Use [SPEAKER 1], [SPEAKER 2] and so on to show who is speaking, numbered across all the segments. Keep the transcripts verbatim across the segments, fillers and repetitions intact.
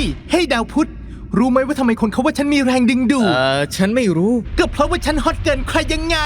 [SPEAKER 1] เฮ้ยดาวพุธรู้ไหมว่าทำไมคนเขาว่าฉันมีแรงดึงดูด
[SPEAKER 2] เออฉันไม่รู้
[SPEAKER 1] ก็เพราะว่าฉันฮอตเกินใครยังไง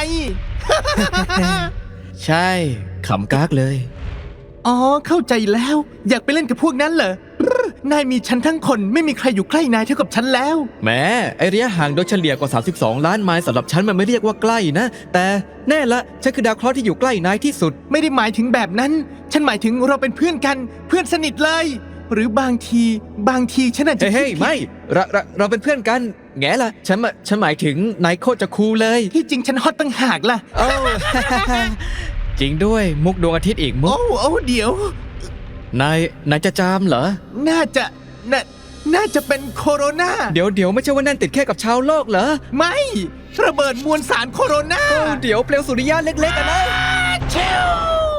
[SPEAKER 2] ใช่ขำกากเลย
[SPEAKER 1] อ๋อเข้าใจแล้วอยากไปเล่นกับพวกนั้นเหรอ นายมีฉันทั้งคนไม่มีใครอยู่ใกล้นายเท่ากับฉันแล้ว
[SPEAKER 2] แม้ไอระยะห่างโดยเฉลี่ยกว่าสามสิบสองล้านไมล์สำหรับฉันมันไม่เรียกว่าใกล้นะ แต่แน่ละฉันคือดาวเคราะห์ที่อยู่ใกล้นายที่สุด
[SPEAKER 1] ไม่ได้หมายถึงแบบนั้น ฉันหมายถึงเราเป็นเพื่อนกันเพื่อนสนิทเลย หรือบางทีบางทีฉันอาจจะ
[SPEAKER 2] เฮ้ย
[SPEAKER 1] คิดผิด
[SPEAKER 2] ไม่เราเราเราเป็นเพื่อนกันแง่ละฉันมาฉันหมายถึงนายโคตรจะคูลเลย
[SPEAKER 1] ที่จริงฉันฮอตตั้งหากล่ะ
[SPEAKER 2] โอ้ จริงด้วยมุกดวงอาทิตย์อีกมุ
[SPEAKER 1] โอ้
[SPEAKER 2] ก
[SPEAKER 1] โอ้เดี๋ยว
[SPEAKER 2] นายนายจะจามเหรอ
[SPEAKER 1] น่าจะน่าน่าจะเป็นโคโรนา
[SPEAKER 2] เดี๋ยวเดี๋ยวไม่ใช่ว่านั่นติดแค่กับชาวโลกเหรอ
[SPEAKER 1] ไม่ระเบิดมวลสารโคโรนา
[SPEAKER 2] โอ้เดี๋ยวเปลวสุริยะเล็กๆอะนะ
[SPEAKER 1] เชล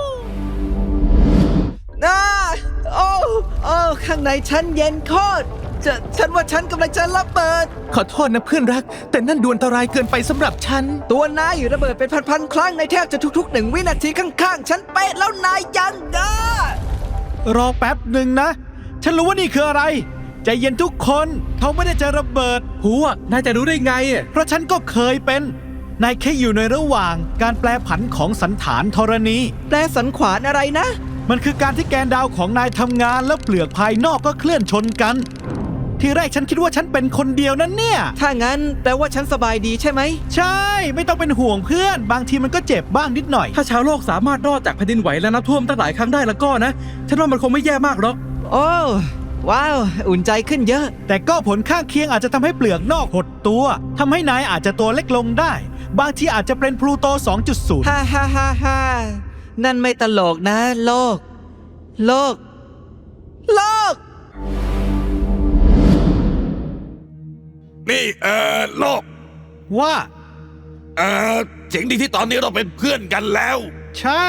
[SPEAKER 2] อ่าโอ้โอ้ข้างในฉันเย็นโคตรจะฉันว่าฉันกำลังจะระเบิด
[SPEAKER 1] ขอโทษนะเพื่อนรัก แต่นั่นดวนอันตรายเกินไปสำหรับฉัน
[SPEAKER 2] ตัวนายอยู่ระเบิดเป็นพันๆครั้งในแทบจะทุกๆหนึ่งวินาทีข้างๆ ฉันเป๊ะแล้วนายยังอ่ะ
[SPEAKER 3] รอแป๊บหนึ่งนะ ฉันรู้ว่านี่คืออะไร ใจเย็นทุกคนเขาไม่ได้จะระเบิด
[SPEAKER 2] หัวนายจะรู้ได้ไงอ่ะ
[SPEAKER 3] เพราะฉันก็เคยเป็น นายแค่อยู่ในระหว่างการแปลผันของสันฐานธรณี
[SPEAKER 2] แปลสันขวานอะไรนะ
[SPEAKER 3] มันคือการที่แกนดาวของนายทำงานแล้วเปลือกภายนอกก็เคลื่อนชนกัน ทีแรกฉันคิดว่าฉันเป็นคนเดียวนั่นเนี่ย
[SPEAKER 2] ถ้างั้นแปลว่าฉันสบายดีใช่ไหม
[SPEAKER 3] ใช่ ไม่ต้องเป็นห่วงเพื่อน บางทีมันก็เจ็บบ้างนิดหน่อย
[SPEAKER 4] ถ้าชาวโลกสามารถรอดจากแผ่นดินไหวและน้ำท่วมตั้งหลายครั้งได้แล้วก็นะ ฉันว่ามันคงไม่แย่มากหรอก
[SPEAKER 2] โอ้ว้าว อุ่นใจขึ้นเยอะ
[SPEAKER 3] แต่ก็ผลข้างเคียงอาจจะทำให้เปลือกนอกหดตัวทำให้นายอาจจะตัวเล็กลงได้ บางทีอาจจะเป็นพลูโต สองจุดศูนย์
[SPEAKER 2] ฮ่าฮ่าฮ่าฮ่านั่นไม่ตลกนะ โลก โลก โลก
[SPEAKER 5] นี่เออโลก
[SPEAKER 3] ว่า
[SPEAKER 5] เออเจ๋งดีที่ตอนนี้เราเป็นเพื่อนกันแล้ว
[SPEAKER 3] ใช่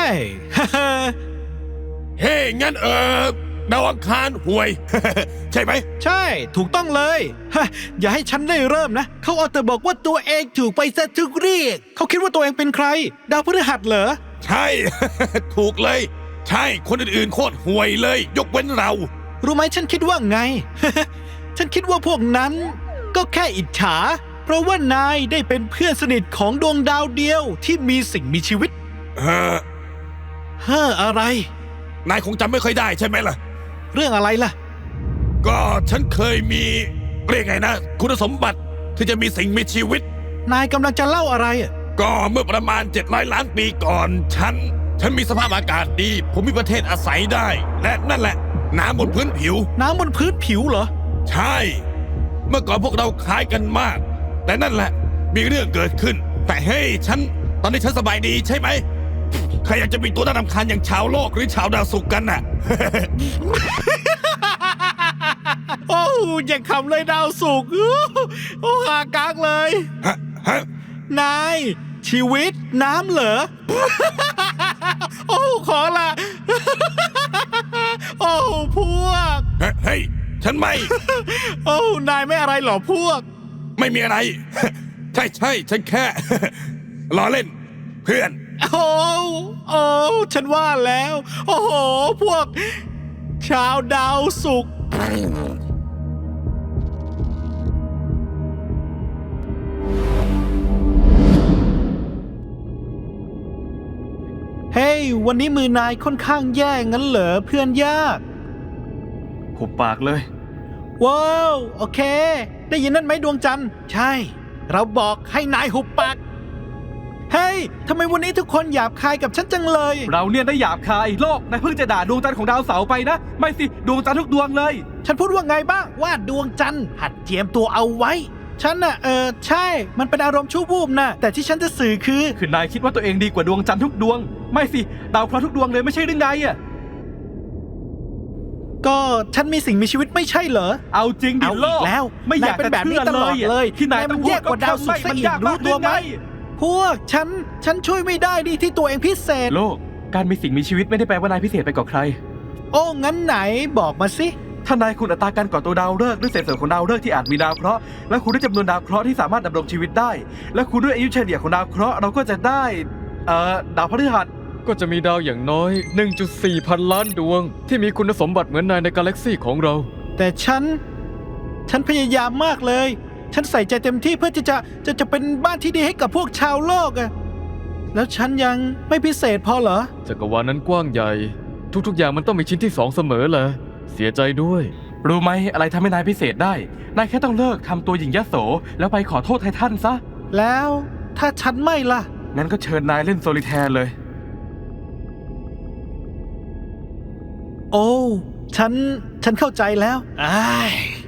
[SPEAKER 5] เฮ้ยงั้นเออดาวอังคารห่วย ใช่ไหม
[SPEAKER 3] ใช่ถูกต้องเลย ฮะอย่าให้ฉันได้เริ่มนะ เขาเอาแต่บอกว่าตัวเองถูกไปซะทุกเรียกเขาคิดว่าตัวเองเป็นใคร ดาวพฤหัสเหรอ
[SPEAKER 5] ใช่ ถูกเลย ใช่คนอื่นๆโคตรห่วยเลย ยกเว้นเรา
[SPEAKER 3] รู้ไหมฉันคิดว่าไง ฉันคิดว่าพวกนั้น ก็แค่อิจฉา เพราะว่านายได้เป็นเพื่อนสนิทของดวงดาวเดียวที่มีสิ่งมีชีวิต
[SPEAKER 5] เออ
[SPEAKER 3] เฮ้ออะไร
[SPEAKER 5] นายคงจำไม่ค่อยได้ใช่ไหมล่ะ
[SPEAKER 3] เรื่องอะไรล่ะ
[SPEAKER 5] ก็ฉันเคยมีเรียกไงนะ คุณสมบัติที่จะมีสิ่งมีชีวิต
[SPEAKER 3] นายกำลังจะเล่าอะไรอะ
[SPEAKER 5] ก็เมื่อประมาณเจ็ดร้อยล้านปีก่อน ฉัน ฉันมีสภาพอากาศดี ผมมีประเทศอาศัยได้ และนั่นแหละ น้ำบนพื้นผิว
[SPEAKER 3] น้ำบนพื้นผิวเหรอ
[SPEAKER 5] ใช่ เมื่อก่อนพวกเราคล้ายกันมาก แต่นั่นแหละ มีเรื่องเกิดขึ้น แต่เฮ้ยฉัน ตอนนี้ฉันสบายดีใช่ไหม ใครอยากจะมีตัวน่ารำคาญอย่างชาวโลกหรือชาวดาวศุกร์กันน่ะ
[SPEAKER 3] โอ้อย่าขำเลยดาวสุกร์โอ้หากากเลย
[SPEAKER 5] ฮะ ฮะ
[SPEAKER 3] นาย ชีวิตน้ำเหรอ โอ้ขอละ โอ้พวก
[SPEAKER 5] เฮ้ย ฉันไม่
[SPEAKER 3] โอ้นายไม่อะไรหรอพวก
[SPEAKER 5] ไม่มีอะไร ใช่ใช่ฉันแค่ ล้อเล่น เพื่อน
[SPEAKER 3] โอ้โอ้ฉันว่าแล้ว โอ้โห พวก ชาวดาวสุกร์เฮ้ย วันนี้มือนายค่อนข้างแย่งั้นเหรอเพื่อนยาก
[SPEAKER 4] หุบปากเลย
[SPEAKER 3] ว้าว โอเค ได้ยินนั่นไหมดวงจันทร์ ใช่ เราบอกให้นายหุบปาก เฮ้ย ทำไมวันนี้ทุกคนหยาบคายกับฉันจังเลย
[SPEAKER 4] เราเนี่ยได้หยาบคายโลกนายเพิ่งจะด่าดวงจันทร์ของดาวเสาร์ไปนะ ไม่สิดวงจันทร์ทุกดวงเลย
[SPEAKER 3] ฉันพูดว่าไงบ้างว่าดวงจันทร์หัดเจียมตัวเอาไว้ ฉันน่ะเออใช่ มันเป็นอารมณ์ชั่ววูบนะแต่ที่ฉันจะสื่อคือ
[SPEAKER 4] คือนายคิดว่าตัวเองดีกว่าดวงจันทร์ทุกดวง ไม่สิดาวเคราะห์ทุกดวงเลยไม่ใช่หรือไงอ่ะ
[SPEAKER 3] ก็ฉันมีสิ่งมีชีวิตไม่ใช่เหรอ
[SPEAKER 4] เอาจริงดิ
[SPEAKER 3] เอา
[SPEAKER 4] โล
[SPEAKER 3] อี
[SPEAKER 4] ก
[SPEAKER 3] กแล้ว
[SPEAKER 4] ไม่อยาก
[SPEAKER 3] นายเป็น
[SPEAKER 4] จะ
[SPEAKER 3] แบบนี้
[SPEAKER 4] เชื่อ
[SPEAKER 3] ตลอดเลย
[SPEAKER 4] ที่นาย
[SPEAKER 3] นายมั
[SPEAKER 4] ต้อง
[SPEAKER 3] น
[SPEAKER 4] พู
[SPEAKER 3] แย
[SPEAKER 4] ด
[SPEAKER 3] กกว่าดาวศุกร์ซะอีก
[SPEAKER 4] มัน
[SPEAKER 3] รู้ตัวไหม
[SPEAKER 4] ยากาก
[SPEAKER 3] พวกฉัน ฉันช่วยไม่ได้ดิที่ตัวเองพิเศษ
[SPEAKER 4] โลกการมีสิ่งมีชีวิตไม่ได้แปลว่านายพิเศษไปกว่าใคร
[SPEAKER 3] โอ้งั้นไหนบอกมาสิ
[SPEAKER 4] ถ้านายคุณอัตราการก่อตัวดาวฤกษ์ด้วยเศษส่วนของดาวฤกษ์ที่อาจมีดาวเคราะห์และคูณด้วยจำนวนดาวเคราะห์ที่สามารถดำรงชีวิตได้ และคูณด้วยอายุเฉลี่ยของดาวเคราะห์เราก็จะได้เอ่อดาวพฤหัส
[SPEAKER 6] ก็จะมีดาวอย่างน้อย หนึ่งจุดสี่ พันล้านดวง ที่มีคุณสมบัติเหมือนนายในกาแล็กซี่ของเรา
[SPEAKER 3] แต่ฉันฉันพยายามมากเลย ฉันใส่ใจเต็มที่เพื่อที่จะจะจะเป็นบ้านที่ดีให้กับพวกชาวโลกอะแล้วฉันยังไม่พิเศษพอเหรอ
[SPEAKER 6] จักรวาลนั้นกว้างใหญ่ ทุกๆอย่างมันต้องมีชิ้นที่สองเสมอแหละเสียใจด้วย
[SPEAKER 4] รู้ไหมอะไรทำให้นายพิเศษได้ นายแค่ต้องเลิกทำตัวหญิงยโส แล้วไปขอโทษไททันซะ
[SPEAKER 3] แล้วถ้าฉันไม่ล่ะ
[SPEAKER 4] งั้นก็เชิญนายเล่นโซลิแทร์เลย
[SPEAKER 3] โอ้ฉันฉันเข้าใจแล้วอ้าย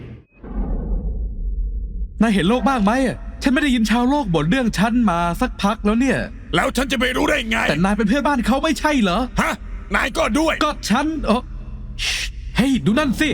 [SPEAKER 7] นายเห็นโลกบ้างไหมอะฉันไม่ได้ยินชาวโลกบ่นเรื่องฉันมาสักพักแล้วเนี่ย
[SPEAKER 5] แล้วฉันจะไปรู้ได้ไง
[SPEAKER 7] แต่นายเป็นเพื่อนบ้านเขาไม่ใช่เหรอ
[SPEAKER 5] ฮะ นายก็ด้วย
[SPEAKER 7] ก็ฉันเออเฮ้ยดูนั่นสิ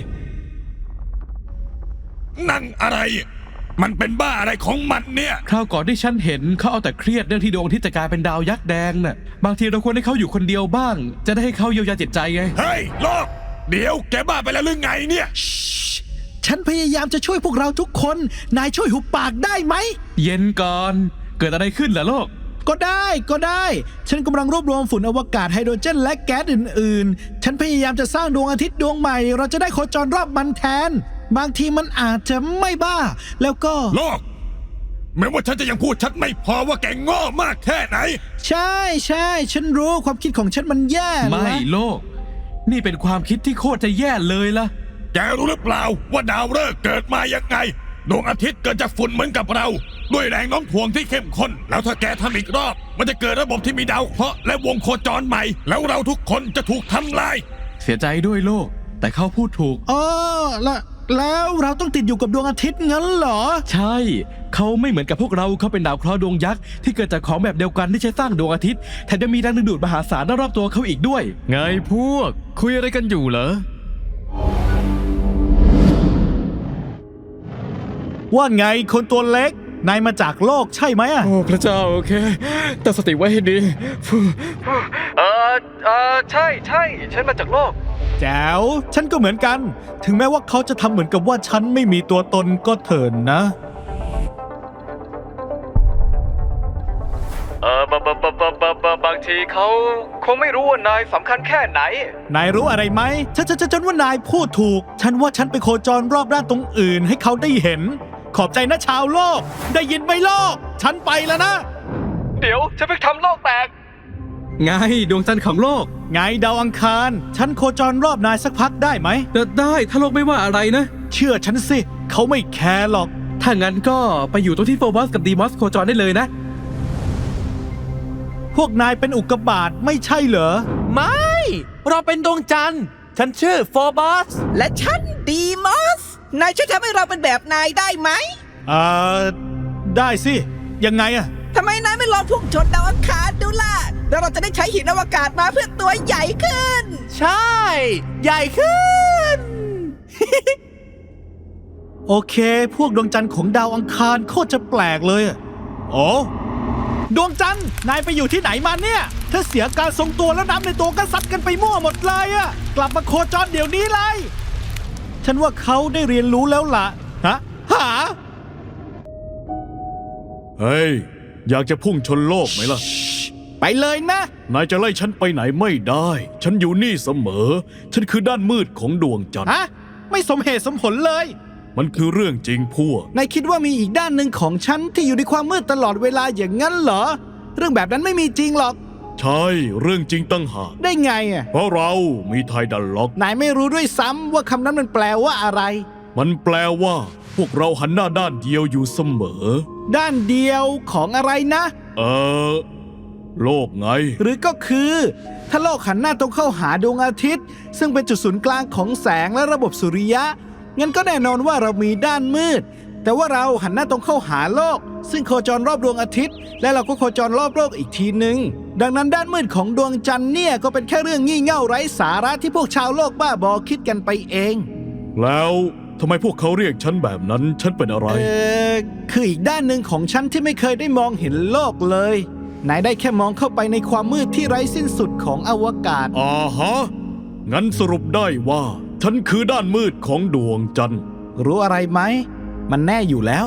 [SPEAKER 5] นั่นอะไร มันเป็นบ้าอะไรของมันเนี่ย
[SPEAKER 7] คราวก่อนที่ฉันเห็นเขาเอาแต่เครียดเรื่องที่ดวงอาทิตย์จะกลายเป็นดาวยักษ์แดงน่ะ บางทีเราควรให้เขาอยู่คนเดียวบ้าง จะได้ให้เขาเยียวยาจิตใจไง
[SPEAKER 5] เฮ้ยโลก เดี๋ยวแกบ้าไปแล้วหรือไงเนี่ย
[SPEAKER 3] ฉันพยายามจะช่วยพวกเราทุกคน นายช่วยหุบปากได้ไหม
[SPEAKER 7] เย็นก่อน เกิดอะไรขึ้นล่ะโลก
[SPEAKER 3] ก็ได้ก็ได้ ฉันกำลังรวบรวมฝุ่นอวกาศไฮโดรเจนและแก๊สอื่นๆ ฉันพยายามจะสร้างดวงอาทิตย์ดวงใหม่ เราจะได้โคจรรอบมันแทน บางทีมันอาจจะไม่บ้า แล้วก็
[SPEAKER 5] โลก แม้ว่าฉันจะยังพูดชัดไม่พอว่าแกโง่มากแค่ไหน
[SPEAKER 3] ใช่ใช่ฉันรู้ความคิดของฉันมันแย่
[SPEAKER 7] ไม่
[SPEAKER 3] นะ
[SPEAKER 7] โลก นี่เป็นความคิดที่โคตรจะแย่เลยล่ะ
[SPEAKER 5] แกรู้หรือเปล่าว่าดาวฤกษ์เกิดมายังไง ดวงอาทิตย์เกิดจากฝุ่นเหมือนกับเรา ด้วยแรงโน้มถ่วงที่เข้มข้น แล้วถ้าแกทำอีกรอบ มันจะเกิดระบบที่มีดาวเคราะห์และวงโคจรใหม่ แล้วเราทุกคนจะถูกทำลาย
[SPEAKER 7] เสียใจด้วยโลก แต่เขาพูดถูก
[SPEAKER 3] อ๋อแล้วแล้วเราต้องติดอยู่กับดวงอาทิตย์งั้นเหรอ
[SPEAKER 7] ใช่ เขาไม่เหมือนกับพวกเรา เขาเป็นดาวเคราะห์ดวงยักษ์ที่เกิดจากของแบบเดียวกันที่ใช้สร้างดวงอาทิตย์ แถมยังมีแรงดึงดูดมหาศาลรอบๆตัวเขาอีกด้วย
[SPEAKER 6] ไงพวก คุยอะไรกันอยู่เหรอ
[SPEAKER 3] ว่าไงคนตัวเล็ก นายมาจากโลกใช่ไหมอะ
[SPEAKER 6] โอ้พระเจ้าโอเคตั้งสติไว้ให้ดีเออเออใช่ใช่ฉันมาจากโลก
[SPEAKER 3] แจ๋วฉันก็เหมือนกัน ถึงแม้ว่าเขาจะทำเหมือนกับว่าฉันไม่มีตัวตนก็เถินนะ
[SPEAKER 6] เออบะบะบะบะบะบะบางทีเขาคงไม่รู้ว่านายสำคัญแค่ไหน
[SPEAKER 3] นายรู้อะไรไหมฉันฉันฉันฉันว่านายพูดถูก ฉันว่าฉันไปโคจรรอบด้านตรงอื่นให้เขาได้เห็น ขอบใจนะชาวโลก ได้ยินไหมโลก ฉันไปแล้วนะ
[SPEAKER 6] เดี๋ยวฉันเพิ่งทำโลกแตก
[SPEAKER 7] ไงดวงจันทร์ของโลก
[SPEAKER 3] ไงดาวอังคาร ฉันโคจรรอบนายสักพักได้ไหม
[SPEAKER 7] เดินได้ถ้าโลกไม่ว่าอะไรนะ
[SPEAKER 3] เชื่อฉันสิ เขาไม่แคร์หรอก
[SPEAKER 7] ถ้างั้นก็ไปอยู่ตรงที่โฟบอสกับดีมอสโคจรได้เลยนะ
[SPEAKER 3] พวกนายเป็นอุกกาบาตไม่ใช่เหรอ
[SPEAKER 8] ไม่ เราเป็นดวงจันทร์ ฉันชื่อโฟบอส
[SPEAKER 9] และฉันดีมอส นายช่วยทำให้เราเป็นแบบนายได้ไหม
[SPEAKER 3] เอ่อ ได้สิ ยังไงอะ
[SPEAKER 9] ทำไมนายไม่ลองพุ่งชนดาวอังคารดูล่ะ แล้วเราจะได้ใช้หินอวกาศมาเพื่อตัวใหญ่ขึ้น
[SPEAKER 8] ใช่ ใหญ่ขึ้น
[SPEAKER 3] โอเค พวกดวงจันทร์ของดาวอังคารโคตรจะแปลกเลยอะโอ้ดวงจันทร์ นายไปอยู่ที่ไหนมาเนี่ย ถ้าเสียการทรงตัวแล้วน้ำในตัวก็ซัดกันไปมั่วหมดเลยอะกลับมาโคจรเดี๋ยวนี้เลย ฉันว่าเขาได้เรียนรู้แล้วล่ะ ฮะ หา
[SPEAKER 10] เฮ้ย อยากจะพุ่งชนโลกไหมล่ะ
[SPEAKER 3] ไปเลยนะ
[SPEAKER 10] นายจะไล่ฉันไปไหนไม่ได้ ฉันอยู่นี่เสมอ ฉันคือด้านมืดของดวงจันทร์
[SPEAKER 3] ฮะ ไม่สมเหตุสมผลเลย
[SPEAKER 10] มันคือเรื่องจริงพวก
[SPEAKER 3] นายคิดว่ามีอีกด้านหนึ่งของฉันที่อยู่ในความมืดตลอดเวลาอย่างนั้นเหรอ เรื่องแบบนั้นไม่มีจริงหรอก
[SPEAKER 10] ใช่ เรื่องจริงตั้งหาก
[SPEAKER 3] ได้ไงอ่ะ
[SPEAKER 10] เพราะเรามีไทดันล็อก
[SPEAKER 3] นายไม่รู้ด้วยซ้ำว่าคำนั้นมันแปลว่าอะไร
[SPEAKER 10] มันแปลว่า พวกเราหันหน้าด้านเดียวอยู่เสมอ
[SPEAKER 3] ด้านเดียวของอะไรนะ
[SPEAKER 10] เออ โลกไง
[SPEAKER 3] หรือก็คือ ถ้าโลกหันหน้าตรงเข้าหาดวงอาทิตย์ ซึ่งเป็นจุดศูนย์กลางของแสงและระบบสุริยะ งั้นก็แน่นอนว่าเรามีด้านมืด แต่ว่าเราหันหน้าตรงเข้าหาโลก ซึ่งโคจรรอบดวงอาทิตย์ และเราก็โคจรรอบโลกอีกทีหนึ่งดังนั้นด้านมืดของดวงจันทร์เนี่ยก็เป็นแค่เรื่องงี่เง่าไร้สาระที่พวกชาวโลกบ้าบอคิดกันไปเอง
[SPEAKER 10] แล้วทำไมพวกเขาเรียกฉันแบบนั้น ฉันเป็นอะไร
[SPEAKER 3] เออคืออีกด้านหนึ่งของฉันที่ไม่เคยได้มองเห็นโลกเลย นายได้แค่มองเข้าไปในความมืดที่ไร้สิ้นสุดของอวกาศ
[SPEAKER 10] อ่าฮะ งั้นสรุปได้ว่า ฉันคือด้านมืดของดวงจันทร์
[SPEAKER 3] รู้อะไรไหม มันแน่อยู่แล้ว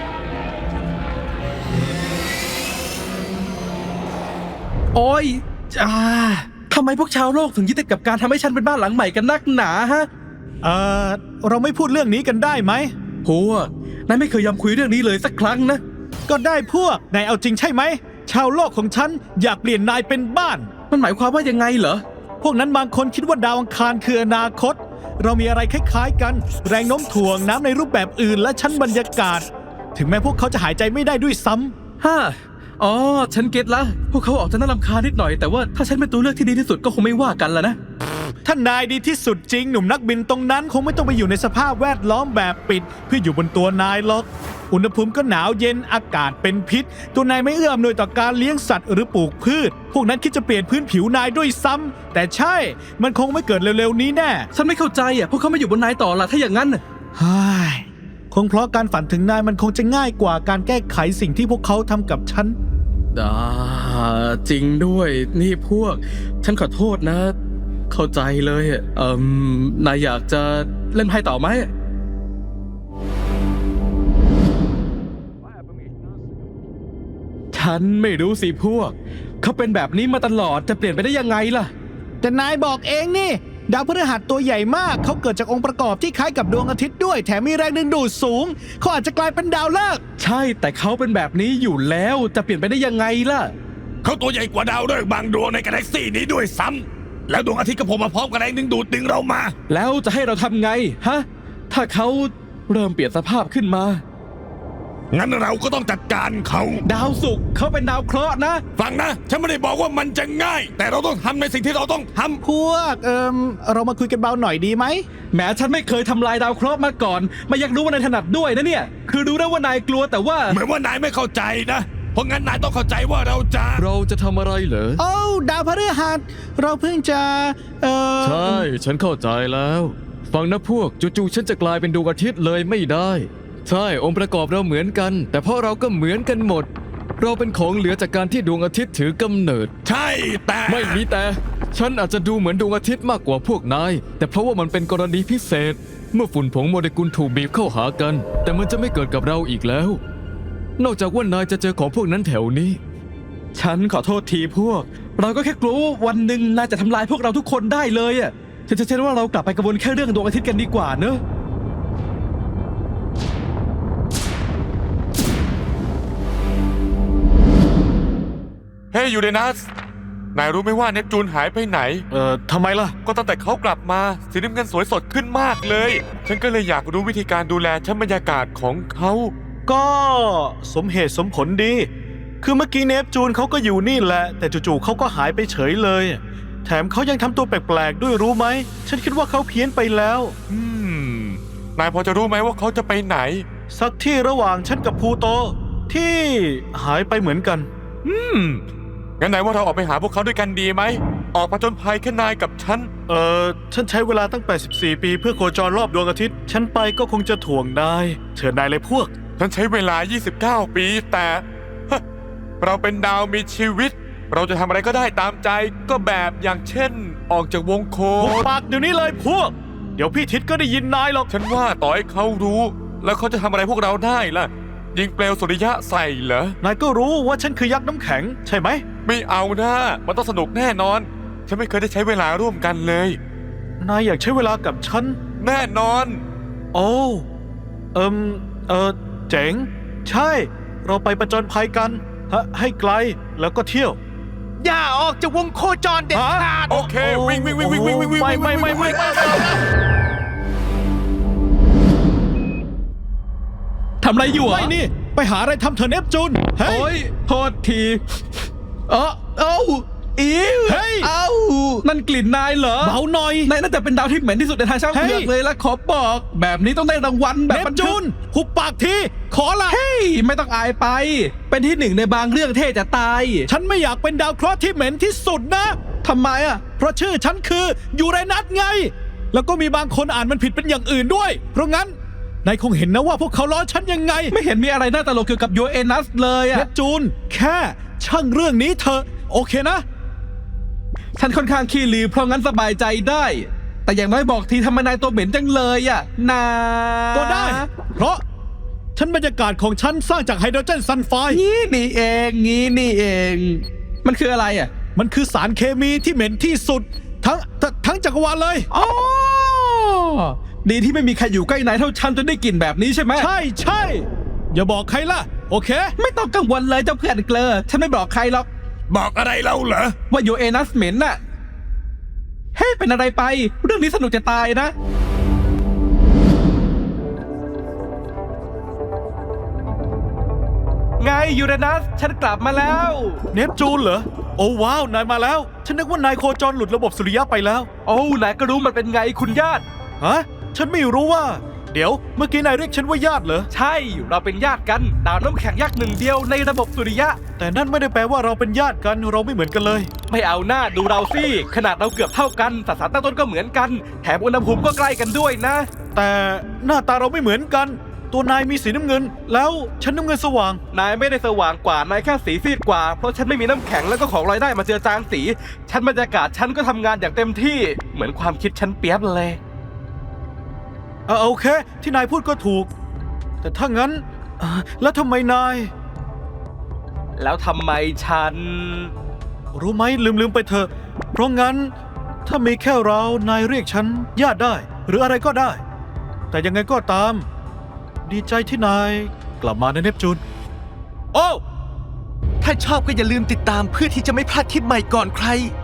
[SPEAKER 7] โอ้ยอ่าทำไมพวกชาวโลกถึงยึดติดกับการทำให้ฉันเป็นบ้านหลังใหม่กันนักหนาฮะ
[SPEAKER 3] เอ่อ เราไม่พูดเรื่องนี้กันได้ไหม
[SPEAKER 7] พวกนายไม่เคยยอมคุยเรื่องนี้เลยสักครั้งนะ
[SPEAKER 3] ก็ได้พวก นายเอาจริงใช่ไหม ชาวโลกของฉันอยากเปลี่ยนนายเป็นบ้าน
[SPEAKER 7] มันหมายความว่ายังไงเหรอ
[SPEAKER 3] พวกนั้นบางคนคิดว่าดาวอังคารคืออนาคต เรามีอะไรคล้ายๆกัน แรงโน้มถ่วงน้ำในรูปแบบอื่นและชั้นบรรยากาศ ถึงแม้พวกเขาจะหายใจไม่ได้ด้วยซ้ำ
[SPEAKER 7] ฮ่าอ๋อ ฉันเก็ตละ พวกเขาออกจะน่ารำคาญนิดหน่อย แต่ว่าถ้าฉันเป็นตัวเลือกที่ดีที่สุดก็คงไม่ว่ากันละนะ
[SPEAKER 3] ถ้านายดีที่สุดจริงหนุ่มนักบินตรงนั้นคงไม่ต้องไปอยู่ในสภาพแวดล้อมแบบปิด เพื่ออยู่บนตัวนายหรอก อุณหภูมิก็หนาวเย็นอากาศเป็นพิษ ตัวนายไม่เอื้ออำนวยต่อการเลี้ยงสัตว์หรือปลูกพืช พวกนั้นคิดจะเปลี่ยนพื้นผิวนายด้วยซ้ำแต่ใช่ มันคงไม่เกิดเร็วๆนี้แน่
[SPEAKER 7] ฉันไม่เข้าใจอ่ะ พวกเขาไม่อยู่บนนายต่อละถ้าอย่างนั้นน่ะ
[SPEAKER 3] ฮ่ายคงเพราะการฝันถึงนายมันคงจะง่ายกว่าการแก้ไขสิ่งที่พวกเขาทำกับฉัน
[SPEAKER 7] อ่าจริงด้วย นี่พวก ฉันขอโทษนะ เข้าใจเลยอ่ะเอ่มนายอยากจะเล่นไพ่ต่อไหม ฉันไม่รู้สิพวก เขาเป็นแบบนี้มาตลอดจะเปลี่ยนไปได้ยังไงล่ะ
[SPEAKER 3] แต่นายบอกเองนี่ ดาวพฤหัสตัวใหญ่มาก เขาเกิดจากองค์ประกอบที่คล้ายกับดวงอาทิตย์ด้วย แถมมีแรงดึงดูดสูง เขาอาจจะกลายเป็นดาวฤกษ์
[SPEAKER 7] ใช่แต่เขาเป็นแบบนี้อยู่แล้วจะเปลี่ยนไปได้ยังไงล่ะ
[SPEAKER 5] เขาตัวใหญ่กว่าดาวฤกษ์บางดวงในกาแล็กซี่นี้ด้วยซ้ำแล้วดวงอาทิตย์ก็โผล่มาพร้อมกับแรงดึงดูดดึงเรามา
[SPEAKER 7] แล้วจะให้เราทำไงฮะ ถ้าเขาเริ่มเปลี่ยนสภาพขึ้นมา
[SPEAKER 5] งั้นเราก็ต้องจัดการเขา
[SPEAKER 7] ดาวศุกร์เขาเป็นดาวเคราะห์นะ
[SPEAKER 5] ฟังนะ ฉันไม่ได้บอกว่ามันจะง่าย แต่เราต้องทำในสิ่งที่เราต้องทำ
[SPEAKER 3] พวก เอิมเรามาคุยกันเบาหน่อยดีไหม
[SPEAKER 7] แม้ฉันไม่เคยทำลายดาวเคราะห์มาก่อนไม่อยากรู้ว่านายถนัดด้วยนะเนี่ย คือรู้ได้ว่านายกลัวแต่ว่า
[SPEAKER 5] เหมือนว่านายไม่เข้าใจนะ เพราะงั้นนายต้องเข้าใจว่าเราจะ
[SPEAKER 2] เราจะทำอะไรเหรอ
[SPEAKER 3] โอ้าดาวพฤหัส เราเพิ่งจะ เออ
[SPEAKER 2] ใช่ ฉันเข้าใจแล้ว ฟังนะพวกจู่ๆฉันจะกลายเป็นดวงอาทิตย์เลยไม่ได้ ใช่ องค์ประกอบเราเหมือนกัน แต่เพราะเราก็เหมือนกันหมด เราเป็นของเหลือจากการที่ดวงอาทิตย์ถือกำเนิด
[SPEAKER 5] ใช่แต่
[SPEAKER 2] ไม่มีแต่ ฉันอาจจะดูเหมือนดวงอาทิตย์มากกว่าพวกนาย แต่เพราะว่ามันเป็นกรณีพิเศษ เมื่อฝุ่นผงโมเลกุลถูกบีบเข้าหากัน แต่มันจะไม่เกิดกับเราอีกแล้ว นอกจากว่านายจะเจอของพวกนั้นแถวนี้
[SPEAKER 7] ฉันขอโทษทีพวก เราก็แค่กลัวว่าวันหนึ่งนายจะทำลายพวกเราทุกคนได้เลยอ่ะฉันจะเชื่อว่าเรากลับไปกระวนแค่เรื่องดวงอาทิตย์กันดีกว่าเนอะ
[SPEAKER 8] เฮ้ยยูเรนัส นายรู้ไหมว่าเนปจูนหายไปไหน
[SPEAKER 10] เอ่อทำไมล่ะ
[SPEAKER 8] ก็ตั้งแต่เขากลับมาสีน้ำเงินสวยสดขึ้นมากเลย ฉันก็เลยอยากรู้วิธีการดูแลชั้นบรรยากาศของเขา
[SPEAKER 3] ก็สมเหตุสมผลดี คือเมื่อกี้เนปจูนเขาก็อยู่นี่แหละ แต่จู่ๆเขาก็หายไปเฉยเลย แถมเขายังทำตัวแปลกๆด้วยรู้ไหม ฉันคิดว่าเขาเพี้ยนไปแล้ว
[SPEAKER 8] อืม นายพอจะรู้ไหมว่าเขาจะไปไหน
[SPEAKER 3] สักที่ระหว่างฉันกับพลูโต ที่หายไปเหมือนกัน
[SPEAKER 8] อืม งั้นนายว่าเราออกไปหาพวกเขาด้วยกันดีไหม ออกมาจนภัยแค่นายกับฉัน
[SPEAKER 3] เอ่อ ฉันใช้เวลาตั้งแปดสิบสี่ปีเพื่อโคจรรอบดวงอาทิตย์ ฉันไปก็คงจะถ่วงได้เชิญนายเลยพวก
[SPEAKER 8] ฉันใช้เวลา ยี่สิบเก้า ปี แต่ฮะเราเป็นดาวมีชีวิต เราจะทำอะไรก็ได้ตามใจ ก็แบบอย่างเช่น ออกจากวงโค
[SPEAKER 3] หุบ
[SPEAKER 8] จร
[SPEAKER 3] ปากเดี๋ยวนี้เลยพวก เดี๋ยวพี่ทิศก็ได้ยินนายหรอก
[SPEAKER 8] ฉันว่าต่อให้เขารู้ แล้วเขาจะทำอะไรพวกเราได้ล่ะ ยิงเปลวสุริยะใส่เหรอ
[SPEAKER 3] นายก็รู้ว่าฉันคือยักษ์น้ำแข็ง ใช่ไหม
[SPEAKER 8] ไม่เอานะมันต้องสนุกแน่นอน ฉันไม่เคยได้ใช้เวลาร่วมกันเลย
[SPEAKER 3] นายอยากใช้เวลากับฉัน
[SPEAKER 8] แน่นอน
[SPEAKER 3] โอ้เอิมเออเจ๋ง ใช่ เราไปประจนภัยกันฮะให้ไกลแล้วก็เที่ยว
[SPEAKER 1] อย่าออกจากวงโคจรเด็ดขาด
[SPEAKER 8] โอเค วิ่งวิ่งวิ่งวิ่งวิ่งวิ่งวิ่ง
[SPEAKER 3] ไม่ไม่ไม่ไม่ไม่
[SPEAKER 7] ทำอะไรอยู่อ่ะ
[SPEAKER 3] ไม่นี่ ไปหาอะไรทำเถอะเนปจูนเฮ้ย
[SPEAKER 7] โอ้ยโทษทีเออเอ้าอีว
[SPEAKER 3] เฮ้ย
[SPEAKER 7] เอ้านั่นกลิ่นนายเหรอ
[SPEAKER 3] เบาหน่อย
[SPEAKER 7] นายน่าจะเป็นดาวที่เหม็นที่สุดในทางช่างเผือก
[SPEAKER 3] เฮ้ย
[SPEAKER 7] เลยละขอบอก แบบนี้ต้องได้รางวัลแบบ
[SPEAKER 3] เนป
[SPEAKER 7] บันทึ
[SPEAKER 3] จู
[SPEAKER 7] ก
[SPEAKER 3] นหุบปากทีขอละ
[SPEAKER 7] เฮ้ยไม่ต้องอายไป เป็นที่หนึ่งในบางเรื่องเท่จะตาย
[SPEAKER 3] ฉันไม่อยากเป็นดาวเคราะห์ที่เหม็นที่สุดนะ
[SPEAKER 7] ทำไมอ่ะ
[SPEAKER 3] เพราะชื่อฉันคือยูเรนัสไง แล้วก็มีบางคนอ่านมันผิดเป็นอย่างอื่นด้วย เพราะงั้นนายคงเห็นนะว่าพวกเขาล้อฉันยังไง
[SPEAKER 7] ไม่เห็นมีอะไรน่าตลกเกี่ยวกับยูเอนัสเลย
[SPEAKER 3] เน
[SPEAKER 7] อ่ะ
[SPEAKER 3] ปจูนแค่ช่างเรื่องนี้เถอะโอเคนะ
[SPEAKER 7] ฉันค่อนข้างขี้ลือเพราะงั้นสบายใจได้ แต่อย่างน้อยบอกทีทำไมนายตัวเหม็นจังเลยอ่ะนา
[SPEAKER 3] ก็ได้ เพราะชั้นบรรยากาศของฉันสร้างจากไฮโดรเจนซัลไฟด์
[SPEAKER 7] งี้นี่เองงี้นี่เอง มันคืออะไรอ่ะ
[SPEAKER 3] มันคือสารเคมีที่เหม็นที่สุด ทั้งททั้งจักรวาลเลย
[SPEAKER 7] อ๋อ ดีที่ไม่มีใครอยู่ใกล้นายเท่าฉันจนได้กลิ่นแบบนี้ใช่ไหม
[SPEAKER 3] ใช่ใช่ อย่าบอกใครล่ะ โอเค
[SPEAKER 7] ไม่ต้องกังวลเลยเจ้าเพื่อนเกลอฉันไม่บอกใครหรอก
[SPEAKER 5] บอกอะไรเราเหรอ
[SPEAKER 7] ว่าโยเอนัสเหม็นน่ะ เฮ้ยเป็นอะไรไป เรื่องนี้สนุกจะตายนะ
[SPEAKER 4] ไงยูเรนัส ฉันกลับมาแล้ว
[SPEAKER 3] เนปจูนเหรอ โอ้ว้าว นายมาแล้ว ฉันนึกว่านายโคจรหลุดระบบสุริยะไปแล้ว
[SPEAKER 4] โอ้นายก็รู้มันเป็นไงคุณญาติ
[SPEAKER 3] ฮะ ฉันไม่รู้ว่า เดี๋ยว เมื่อกี้นายเรียกฉันว่าญาติเหรอ
[SPEAKER 4] ใช่เราเป็นญาติกัน ดาวน้ำแข็งยักษ์หนึ่งเดียวในระบบสุริยะ
[SPEAKER 3] แต่นั่นไม่ได้แปลว่าเราเป็นญาติกัน เราไม่เหมือนกันเลย
[SPEAKER 4] ไม่เอาหน้าดูเราสิขนาดเราเกือบเท่ากันสสารตั้งต้นก็เหมือนกัน แถมอุณหภูมิก็ใกล้กันด้วยนะ
[SPEAKER 3] แต่หน้าตาเราไม่เหมือนกัน ตัวนายมีสีน้ำเงิน แล้วฉันน้ำเงินสว่าง
[SPEAKER 4] นายไม่ได้สว่างกว่านายแค่สีซีดกว่า เพราะฉันไม่มีน้ำแข็งแล้วก็ของลอยได้มาเจือจางสี ฉันบรรยากาศฉันก็ทำงานอย่างเต็มที่ เหมือนความคิดฉันเปียบเลย
[SPEAKER 3] เออโอเค ที่นายพูดก็ถูก แต่ถ้างั้นเอ่อแล้วทำไมนาย
[SPEAKER 4] แล้วทำไมฉัน
[SPEAKER 3] รู้ไหมลืมลืมไปเถอะ เพราะงั้น ถ้ามีแค่เรา นายเรียกฉันญาติได้ หรืออะไรก็ได้ แต่ยังไงก็ตาม ดีใจที่นายกลับมาในเนปจูน โอ้
[SPEAKER 1] ถ้าชอบก็อย่าลืมติดตามเพื่อที่จะไม่พลาดคลิปใหม่ก่อนใคร